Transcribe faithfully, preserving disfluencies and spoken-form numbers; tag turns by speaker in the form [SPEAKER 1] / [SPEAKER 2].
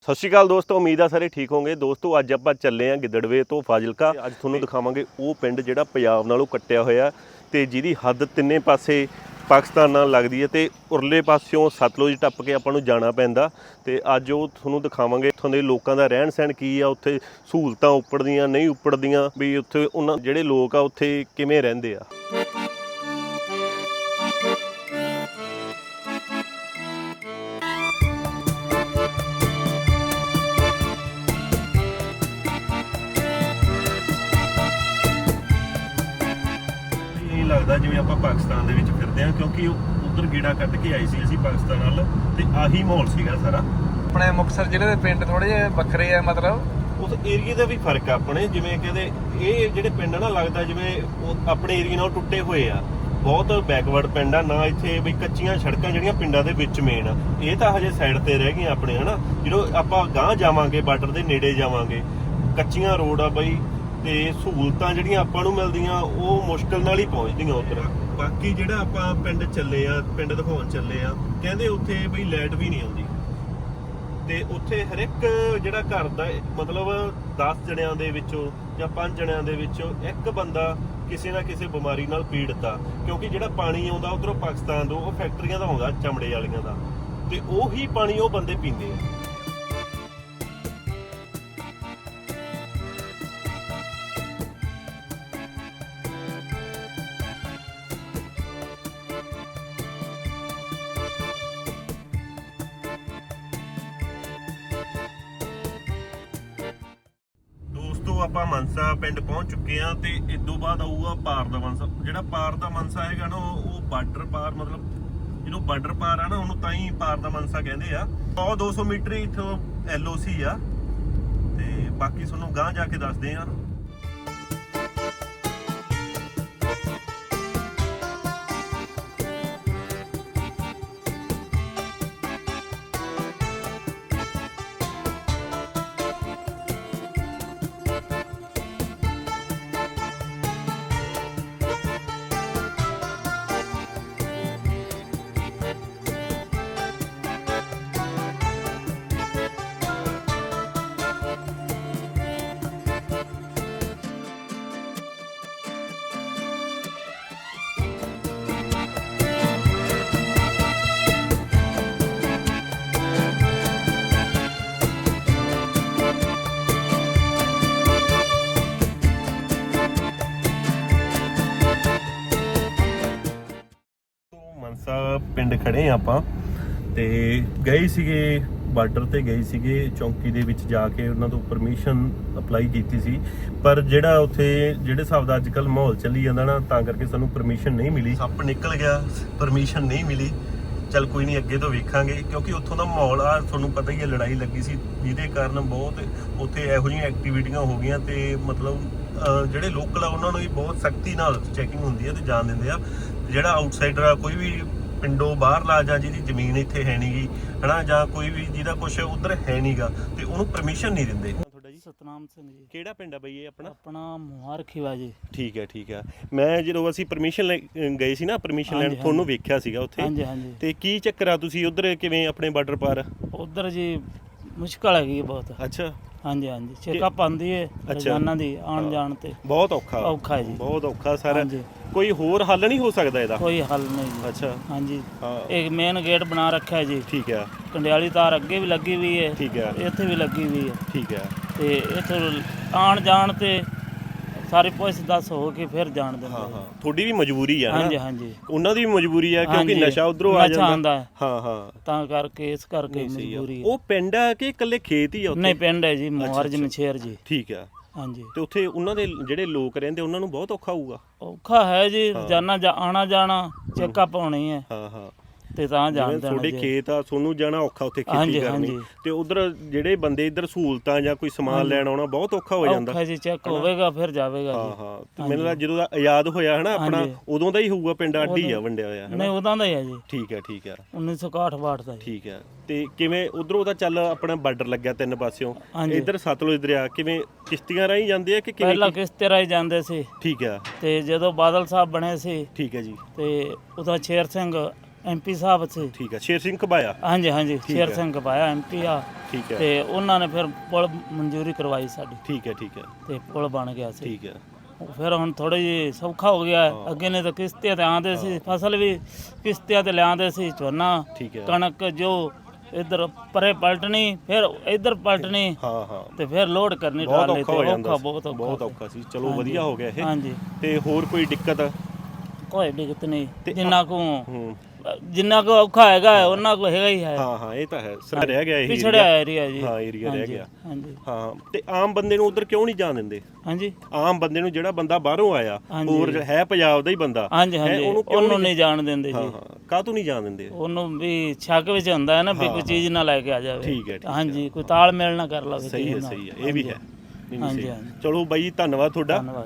[SPEAKER 1] ਸਤਿ ਸ਼੍ਰੀ ਅਕਾਲ ਦੋਸਤੋ, ਉਮੀਦ ਆ ਸਾਰੇ ਠੀਕ ਹੋਗੇ। ਦੋਸਤੋ ਅੱਜ ਆਪਾਂ ਚੱਲੇ ਆਂ ਗਿੱਦੜਵੇ ਤੋਂ ਫਾਜ਼ਿਲਕਾ। ਅੱਜ ਤੁਹਾਨੂੰ ਦਿਖਾਵਾਂਗੇ ਉਹ ਪਿੰਡ ਜਿਹੜਾ ਪੰਜਾਬ ਨਾਲੋਂ ਕੱਟਿਆ ਹੋਇਆ ਤੇ ਜਿਹਦੀ ਹੱਦ ਤਿੰਨੇ ਪਾਸੇ ਪਾਕਿਸਤਾਨ ਨਾਲ ਲੱਗਦੀ ਹੈ ਤੇ ਉਰਲੇ ਪਾਸਿਓਂ ਸਤਲੁਜ ਟੱਪ ਕੇ ਆਪਾਂ ਨੂੰ ਜਾਣਾ ਪੈਂਦਾ। ਤੇ ਅੱਜ ਉਹ ਤੁਹਾਨੂੰ ਦਿਖਾਵਾਂਗੇ ਉੱਥੋਂ ਦੇ ਲੋਕਾਂ ਦਾ ਰਹਿਣ ਸਹਿਣ ਕੀ ਆ, ਉੱਥੇ ਸਹੂਲਤਾਂ ਉੱਪੜਦੀਆਂ ਨਹੀਂ ਉੱਪੜਦੀਆਂ, ਵੀ ਉੱਥੇ ਉਹਨਾਂ ਜਿਹੜੇ ਲੋਕ ਆ ਉੱਥੇ ਕਿਵੇਂ ਰਹਿੰਦੇ ਆ। ਲੱਗਦਾ ਜਿਵੇਂ ਆਪਾਂ ਪਾਕਿਸਤਾਨ ਦੇ ਵਿੱਚ ਫਿਰਦੇ ਹਾਂ, ਕਿਉਂਕਿ ਉਧਰ ਗੇੜਾ ਕੱਢ ਕੇ ਆਏ ਸੀ ਅਸੀਂ ਪਾਕਿਸਤਾਨ ਨਾਲ, ਤੇ ਆਹੀ ਮਾਹੌਲ ਸੀਗਾ ਸਾਰਾ।
[SPEAKER 2] ਆਪਣੇ ਮੁਕਤਸਰ ਜ਼ਿਲ੍ਹੇ ਦੇ ਪਿੰਡ ਥੋੜੇ ਜਿਹੇ ਵੱਖਰੇ ਆ, ਮਤਲਬ
[SPEAKER 1] ਉਸ ਏਰੀਏ ਦਾ ਵੀ ਫਰਕ ਆ ਆਪਣੇ। ਜਿਵੇਂ ਕਹਿੰਦੇ ਇਹ ਜਿਹੜੇ ਪਿੰਡ ਨਾ ਲੱਗਦਾ ਜਿਵੇਂ ਉਹ ਆਪਣੇ ਏਰੀਏ ਨਾਲ ਟੁੱਟੇ ਹੋਏ ਆ, ਬਹੁਤ ਬੈਕਵਰਡ ਪਿੰਡ ਆ ਨਾ। ਇੱਥੇ ਬਈ ਕੱਚੀਆਂ ਸੜਕਾਂ ਜਿਹੜੀਆਂ ਪਿੰਡਾਂ ਦੇ ਵਿੱਚ ਮੇਨ ਆ, ਇਹ ਤਾਂ ਹਜੇ ਸਾਈਡ ਤੇ ਰਹਿ ਗਈਆਂ ਆਪਣੇ, ਹਨਾ। ਜਦੋਂ ਆਪਾਂ ਗਾਂਹ ਜਾਵਾਂਗੇ ਬਾਰਡਰ ਦੇ ਨੇੜੇ ਜਾਵਾਂਗੇ, ਕੱਚੀਆਂ ਰੋਡ ਆ ਬਈ, ਤੇ ਸਹੂਲਤਾਂ ਜਿਹੜੀਆਂ ਆਪਾਂ ਨੂੰ ਮਿਲਦੀਆਂ ਉਹ ਮੁਸ਼ਕਿਲ ਨਾਲ ਹੀ ਪਹੁੰਚਦੀਆਂ ਉੱਧਰ। ਬਾਕੀ ਜਿਹੜਾ ਆਪਾਂ ਪਿੰਡ ਚੱਲੇ ਆ, ਪਿੰਡ ਦਿਖਾਉਣ ਚੱਲੇ ਆ, ਕਹਿੰਦੇ ਉੱਥੇ ਬਈ ਲਾਈਟ ਵੀ ਨਹੀਂ ਆਉਂਦੀ, ਤੇ ਉੱਥੇ ਹਰ ਇੱਕ ਜਿਹੜਾ ਘਰ ਦਾ ਮਤਲਬ ਦਸ ਜਣਿਆਂ ਦੇ ਵਿੱਚੋਂ ਜਾਂ ਪੰਜ ਜਣਿਆਂ ਦੇ ਵਿੱਚੋਂ ਇੱਕ ਬੰਦਾ ਕਿਸੇ ਨਾ ਕਿਸੇ ਬਿਮਾਰੀ ਨਾਲ ਪੀੜਤ ਆ। ਕਿਉਂਕਿ ਜਿਹੜਾ ਪਾਣੀ ਆਉਂਦਾ ਉੱਧਰੋਂ ਪਾਕਿਸਤਾਨ ਤੋਂ, ਉਹ ਫੈਕਟਰੀਆਂ ਦਾ ਆਉਂਦਾ ਚਮੜੇ ਵਾਲੀਆਂ ਦਾ, ਤੇ ਉਹੀ ਪਾਣੀ ਉਹ ਬੰਦੇ ਪੀਂਦੇ ਆ। ਆਪਾਂ ਮਨਸਾ ਪਿੰਡ ਪਹੁੰਚ ਚੁੱਕੇ ਆ, ਤੇ ਇਦੋਂ ਬਾਅਦ ਆਊਗਾ ਪਾਰ ਦਾ ਮਨਸਾ। ਜਿਹੜਾ ਪਾਰ ਦਾ ਮਨਸਾ ਹੈਗਾ ਨਾ, ਉਹ ਬਾਰਡਰ ਪਾਰ, ਮਤਲਬ ਜਦੋਂ ਬਾਰਡਰ ਪਾਰ ਆ ਨਾ ਉਹਨੂੰ ਤਾਂ ਹੀ ਪਾਰ ਦਾ ਮਨਸਾ ਕਹਿੰਦੇ ਆ। ਸੌ ਦੋ ਸੌ ਮੀਟਰ ਹੀ ਇੱਥੋਂ ਐਲ ਓ ਸੀ ਆ, ਤੇ ਬਾਕੀ ਤੁਹਾਨੂੰ ਗਾਂਹ ਜਾ ਕੇ ਦੱਸਦੇ ਆ। ਪਿੰਡ ਖੜੇ ਆ ਆਪਾਂ, ਤੇ ਗਏ ਸੀਗੇ ਬਾਰਡਰ ਤੇ, ਗਏ ਸੀਗੇ ਚੌਂਕੀ ਦੇ ਵਿੱਚ ਜਾ ਕੇ ਉਹਨਾਂ ਤੋਂ ਪਰਮਿਸ਼ਨ ਅਪਲਾਈ ਕੀਤੀ ਸੀ। ਪਰ ਜਿਹੜਾ ਉੱਥੇ ਜਿਹੜੇ ਹਿਸਾਬ ਦਾ ਅੱਜ ਕੱਲ੍ਹ ਮਾਹੌਲ ਚੱਲੀ ਜਾਂਦਾ ਨਾ, ਤਾਂ ਕਰਕੇ ਸਾਨੂੰ ਪਰਮਿਸ਼ਨ ਨਹੀਂ ਮਿਲੀ। ਸੱਪ ਨਿਕਲ ਗਿਆ, ਪਰਮਿਸ਼ਨ ਨਹੀਂ ਮਿਲੀ। ਚੱਲ ਕੋਈ ਨਹੀਂ, ਅੱਗੇ ਤੋਂ ਵੇਖਾਂਗੇ, ਕਿਉਂਕਿ ਉੱਥੋਂ ਦਾ ਮਾਹੌਲ ਆ ਤੁਹਾਨੂੰ ਪਤਾ ਹੀ ਹੈ, ਲੜਾਈ ਲੱਗੀ ਸੀ ਜਿਹਦੇ ਕਾਰਨ ਬਹੁਤ ਉੱਥੇ ਇਹੋ ਜਿਹੀਆਂ ਐਕਟੀਵਿਟੀਆਂ ਹੋ ਗਈਆਂ, ਤੇ ਮਤਲਬ ਜਿਹੜੇ ਲੋਕਲ ਆ ਉਹਨਾਂ ਨੂੰ ਵੀ ਬਹੁਤ ਸਖਤੀ ਨਾਲ ਚੈਕਿੰਗ ਹੁੰਦੀ ਹੈ ਤੇ ਜਾਣ ਦਿੰਦੇ ਆ। ਜਿਹੜਾ ਆਊਟਸਾਈਡਰ ਆ, ਕੋਈ ਵੀ ਪਿੰਡੋਂ ਬਾਹਰਲਾ ਜਾਂ ਜਿਹਦੀ ਜ਼ਮੀਨ ਇੱਥੇ ਹੈ ਨੀ ਗੀ, ਹਨਾ, ਜਾਂ ਕੋਈ ਵੀ ਜਿਹਦਾ ਕੁਛ ਉਧਰ ਹੈ ਨੀਗਾ, ਤੇ ਉਹਨੂੰ ਪਰਮਿਸ਼ਨ ਨਹੀਂ ਦਿੰਦੇ। ਤੁਹਾਡਾ ਜੀ?
[SPEAKER 3] ਸਤਨਾਮ ਸਿੰਘ ਜੀ।
[SPEAKER 1] ਕਿਹੜਾ ਪਿੰਡ ਆ ਬਈ ਇਹ ਆਪਣਾ?
[SPEAKER 3] ਆਪਣਾ ਮੁਹਾਰਖੀਵਾ ਜੀ।
[SPEAKER 1] ਠੀਕ ਹੈ ਠੀਕ ਹੈ। ਮੈਂ ਜਦੋਂ ਅਸੀਂ ਪਰਮਿਸ਼ਨ ਗਏ ਸੀ ਨਾ, ਪਰਮਿਸ਼ਨ ਲੈਣ, ਤੁਹਾਨੂੰ ਵੇਖਿਆ ਸੀਗਾ ਉੱਥੇ।
[SPEAKER 3] ਹਾਂਜੀ ਹਾਂਜੀ।
[SPEAKER 1] ਤੇ ਕੀ ਚੱਕਰ ਆ, ਤੁਸੀਂ ਉਧਰ ਕਿਵੇਂ ਆਪਣੇ ਬਾਰਡਰ ਪਾਰ?
[SPEAKER 3] ਉਧਰ ਜੀ ਮੁਸ਼ਕਲ ਹੈਗੀ ਬਹੁਤ।
[SPEAKER 1] ਅੱਛਾ। ਹਾਂਜੀ
[SPEAKER 3] ਹਾਂਜੀ। ਚੈੱਕਅਪ ਆਉਂਦੀ ਹੈ ਰੋਜ਼ਾਨਾ ਦੀ, ਆਉਣ ਜਾਣ ਤੇ
[SPEAKER 1] ਬਹੁਤ ਔਖਾ
[SPEAKER 3] ਔਖਾ ਹੈ ਜੀ,
[SPEAKER 1] ਬਹੁਤ ਔਖਾ ਸਾਰਾ। ਕੋਈ ਹੋਰ ਹੱਲ ਨਹੀਂ ਹੋ ਸਕਦਾ ਇਹਦਾ?
[SPEAKER 3] ਕੋਈ ਹੱਲ ਨਹੀਂ ਜੀ।
[SPEAKER 1] ਅੱਛਾ।
[SPEAKER 3] ਹਾਂਜੀ। ਇੱਕ ਮੇਨ ਗੇਟ ਬਣਾ ਰੱਖਿਆ ਜੀ।
[SPEAKER 1] ਠੀਕ ਹੈ।
[SPEAKER 3] ਕੰਡਿਆਲੀ ਤਾਰ ਅੱਗੇ ਵੀ ਲੱਗੀ ਹੋਈ ਹੈ।
[SPEAKER 1] ਠੀਕ ਹੈ।
[SPEAKER 3] ਇੱਥੇ ਵੀ ਲੱਗੀ ਹੋਈ ਹੈ।
[SPEAKER 1] ਠੀਕ ਹੈ।
[SPEAKER 3] ਤੇ ਇੱਥੇ ਆਉਣ ਜਾਣ ਤੇ ਸਾਰੀ ਪੁੱਛ ਦੱਸ ਹੋ ਕੇ ਫਿਰ ਜਾਣ ਦਿੰਦੇ।
[SPEAKER 1] ਹਾਂ ਹਾਂ, ਤੁਹਾਡੀ ਵੀ ਮਜਬੂਰੀ ਆ।
[SPEAKER 3] ਹਾਂਜੀ ਹਾਂਜੀ।
[SPEAKER 1] ਉਹਨਾਂ ਦੀ ਵੀ ਮਜਬੂਰੀ ਆ, ਕਿਉਂਕਿ ਨਸ਼ਾ ਉਧਰੋਂ ਆ ਜਾਂਦਾ। ਹਾਂ ਹਾਂ,
[SPEAKER 3] ਤਾਂ ਕਰਕੇ ਇਸ ਕਰਕੇ ਮਜਬੂਰੀ।
[SPEAKER 1] ਉਹ ਪਿੰਡ ਆ ਕਿ ਇਕੱਲੇ ਖੇਤ ਹੀ ਆ ਉੱਥੇ?
[SPEAKER 3] ਨਹੀਂ, ਪਿੰਡ ਹੈ ਜੀ, ਮੁਹਾਰਜ ਨਸ਼ੇਰ ਜੀ।
[SPEAKER 1] ਠੀਕ ਆ।
[SPEAKER 3] ਹਾਂਜੀ।
[SPEAKER 1] ਤੇ ਉੱਥੇ ਉਹਨਾਂ ਦੇ ਜਿਹੜੇ ਲੋਕ ਰਹਿੰਦੇ ਉਹਨਾਂ ਨੂੰ ਬਹੁਤ ਔਖਾ ਹੋਊਗਾ?
[SPEAKER 3] ਔਖਾ ਹੈ ਜੀ, ਰੋਜ਼ਾਨਾ ਆਣਾ ਜਾਣਾ, ਚੈੱਕਅਪ ਹੋਣੀ ਹੈ।
[SPEAKER 1] ਹਾਂ ਹਾਂ।
[SPEAKER 3] ਤੇ ਤਾਂ ਜਾਣਦੇ ਨੇ
[SPEAKER 1] ਤੁਹਾਡੇ ਖੇਤ ਆ, ਤੁਹਾਨੂੰ ਜਾਣਾ ਔਖਾ ਉੱਥੇ ਖੇਤੀ ਕਰਨੀ, ਤੇ ਉਧਰ ਜਿਹੜੇ ਬੰਦੇ ਇੱਧਰ ਸਹੂਲਤਾਂ ਜਾਂ ਕੋਈ ਸਮਾਨ ਲੈਣ ਆਉਣਾ ਬਹੁਤ ਔਖਾ ਹੋ ਜਾਂਦਾ।
[SPEAKER 3] ਔਖਾ ਜੀ, ਚੈੱਕ ਹੋਵੇਗਾ ਫਿਰ ਜਾਵੇਗਾ।
[SPEAKER 1] ਹਾਂ ਹਾਂ। ਤੇ ਮੈਨੂੰ ਲੱਗਦਾ ਜਦੋਂ ਆਜ਼ਾਦ ਹੋਇਆ ਹਨਾ ਆਪਣਾ, ਉਦੋਂ ਦਾ ਹੀ ਹੋਊਗਾ ਪਿੰਡ ਅੱਡ ਹੀ ਆ ਵੰਡਿਆ ਹੋਇਆ?
[SPEAKER 3] ਨਹੀਂ, ਉਦੋਂ ਦਾ ਹੀ ਆ ਜੀ।
[SPEAKER 1] ਠੀਕ ਹੈ ਠੀਕ ਹੈ।
[SPEAKER 3] ਉੱਨੀ ਸੌ ਇਕਾਹਠ ਬਾਹਠ ਦਾ।
[SPEAKER 1] ਠੀਕ ਹੈ। ਤੇ ਕਿਵੇਂ ਉਧਰੋਂ ਦਾ ਚੱਲ ਆਪਣਾ ਬਾਰਡਰ ਲੱਗਿਆ ਤਿੰਨ ਪਾਸਿਓਂ, ਇੱਧਰ ਸਤਲੁਜ ਦਰਿਆ ਕਿਵੇਂ ਕਿਸ਼ਤੀਆਂ ਰਾਹੀਂ ਜਾਂਦੇ ਆ ਕਿ ਕਿਵੇਂ?
[SPEAKER 3] ਪਹਿਲਾਂ ਕਿਸ਼ਤੀ ਰਾਹੀਂ ਜਾਂਦੇ ਸੀ।
[SPEAKER 1] ਠੀਕ ਹੈ।
[SPEAKER 3] ਤੇ ਜਦੋਂ ਬਾਦਲ ਸਾਹਿਬ ਬਣੇ ਸੀ,
[SPEAKER 1] ਠੀਕ ਹੈ ਜੀ,
[SPEAKER 3] ਤੇ ਉਦੋਂ ਸ਼ੇਰ ਸਿੰਘ ਐਮਪੀ ਸਾਹਿਬ ਸੀ।
[SPEAKER 1] ਠੀਕ ਹੈ, ਸ਼ੇਰ ਸਿੰਘ ਘਬਾਇਆ।
[SPEAKER 3] ਹਾਂਜੀ ਹਾਂਜੀ
[SPEAKER 1] ਠੀਕ
[SPEAKER 3] ਸ਼ੇਰ
[SPEAKER 1] ਹੈ।
[SPEAKER 3] ਸਿੰਘ ਪਾਇਆ ਐਮਪੀ ਆ।
[SPEAKER 1] ਠੀਕ ਹੈ
[SPEAKER 3] ਤੇ ਉਹਨਾਂ ਨੇ ਫਿਰ ਪੁਲ ਮਨਜ਼ੂਰੀ ਕਰਵਾਈ ਸਾਡੀ
[SPEAKER 1] ਠੀਕ ਹੈ ਠੀਕ ਹੈ
[SPEAKER 3] ਤੇ ਪੁਲ ਬਣ ਗਿਆ ਸੀ।
[SPEAKER 1] ਠੀਕ ਹੈ
[SPEAKER 3] ਫਿਰ ਹੁਣ ਥੋੜੀ ਜਿਹੀ ਸੌਖਾ ਹੋ ਗਿਆ ਹੈ।
[SPEAKER 1] ਹਾਂ।
[SPEAKER 3] ਅੱਗੇ ਨੇ ਤਾਂ ਕਿਸ਼ਤੀਆਂ ਤੇ ਆਉਂਦੇ ਸੀ, ਫਸਲ ਵੀ ਕਿਸ਼ਤੀਆਂ ਤੇ ਲਿਆਉਂਦੇ ਸੀ, ਝੋਨਾ
[SPEAKER 1] ਠੀਕ ਹੈ
[SPEAKER 3] ਕਣਕ ਜੋ ਇਧਰ ਪਰੇ ਪਲਟਣੀ ਫਿਰ ਇਧਰ ਪਲਟਣੀ
[SPEAKER 1] ਹਾਂ ਹਾਂ
[SPEAKER 3] ਤੇ ਫਿਰ ਲੋਡ ਕਰਨੀ
[SPEAKER 1] ਬਹੁਤ
[SPEAKER 3] ਟਰਾਲੇ
[SPEAKER 1] ਔਖਾ
[SPEAKER 3] ਤੇ।
[SPEAKER 1] ਹੋ ਜਾਂਦਾ ਸੀ,
[SPEAKER 3] ਬਹੁਤ ਔਖਾ
[SPEAKER 1] ਬਹੁਤ
[SPEAKER 3] ਸੀ।
[SPEAKER 1] ਔਖਾ ਸੀ। ਚਲੋ
[SPEAKER 3] ਹਾਂਜੀ।
[SPEAKER 1] ਵਧੀਆ ਹੋ ਗਿਆ ਇਹ।
[SPEAKER 3] ਹਾਂਜੀ
[SPEAKER 1] ਤੇ ਹੋਰ ਕੋਈ ਦਿੱਕਤ?
[SPEAKER 3] ਕੋਈ ਦਿੱਕਤ ਨਹੀਂ,
[SPEAKER 1] ਤੇ
[SPEAKER 3] ਜਿੰਨਾ ਕੋ
[SPEAKER 1] ਹੂੰ
[SPEAKER 3] ਜਿੰਨਾ ਕੋ ਔਖਾ ਹੈਗਾ ਉਹਨਾਂ ਕੋ ਹੈਗਾ ਹੀ ਹੈ।
[SPEAKER 1] ਹਾਂ ਹਾਂ ਇਹ ਤਾਂ ਹੈ, ਸਰ ਰਹਿ ਗਿਆ ਇਹ
[SPEAKER 3] ਪਿਛੜਿਆ
[SPEAKER 1] area।
[SPEAKER 3] ਏਰੀਆ ਜੀ।
[SPEAKER 1] ਹਾਂ ਏਰੀਆ ਰਹਿ
[SPEAKER 3] ਹਾਂਜੀ,
[SPEAKER 1] ਗਿਆ।
[SPEAKER 3] ਹਾਂਜੀ
[SPEAKER 1] ਹਾਂ ਤੇ ਆਮ ਬੰਦੇ ਨੂੰ ਉਧਰ ਕਿਉਂ ਨਹੀਂ ਜਾਣ ਦਿੰਦੇ?
[SPEAKER 3] ਹਾਂਜੀ
[SPEAKER 1] ਆਮ ਬੰਦੇ ਨੂੰ, ਜਿਹੜਾ ਬੰਦਾ ਬਾਹਰੋਂ ਆਇਆ
[SPEAKER 3] ਹਾਂਜੀ।
[SPEAKER 1] ਹੋਰ ਹੈ ਪੰਜਾਬ ਦਾ ਹੀ ਬੰਦਾ,
[SPEAKER 3] ਹਾਂਜੀ
[SPEAKER 1] ਹੈਂ,
[SPEAKER 3] ਹਾਂਜੀ
[SPEAKER 1] ਉਹਨੂੰ ਕਿਉਂ
[SPEAKER 3] ਉਹਨੂੰ ਨਹੀਂ ਜਾਣ ਦਿੰਦੇ
[SPEAKER 1] ਹਾਂ
[SPEAKER 3] ਜੀ।
[SPEAKER 1] ਹਾਂ ਕਾਹਤੋਂ ਨਹੀਂ ਜਾਣ ਦਿੰਦੇ?
[SPEAKER 3] ਉਹਨੂੰ ਵੀ ਸ਼ੱਕ ਵਿੱਚ ਹੁੰਦਾ ਹੈ ਨਾ ਵੀ
[SPEAKER 1] ਹਾਂ,
[SPEAKER 3] ਕੋਈ ਚੀਜ਼ ਨਾ ਲੈ ਕੇ ਆ ਜਾਵੇ।
[SPEAKER 1] ਠੀਕ ਹੈ, ਠੀਕ ਹੈ।
[SPEAKER 3] ਹਾਂਜੀ ਕੋਈ ਤਾਲਮੇਲ ਨਾ ਕਰ ਲਵੇ
[SPEAKER 1] ਸਹੀ ਹੈ
[SPEAKER 3] ਕਿਸੇ ਨਾਲ।
[SPEAKER 1] ਸਹੀ ਹੈ, ਇਹ ਵੀ ਹੈ। ਨਹੀਂ, ਨਹੀਂ,
[SPEAKER 3] ਹਾਂਜੀ,
[SPEAKER 1] ਸਹੀ।
[SPEAKER 3] ਹਾਂਜੀ।
[SPEAKER 1] ਚਲੋ ਬਾਈ ਜੀ ਧੰਨਵਾਦ ਤੁਹਾਡਾ।
[SPEAKER 3] ਧੰਨਵਾਦ।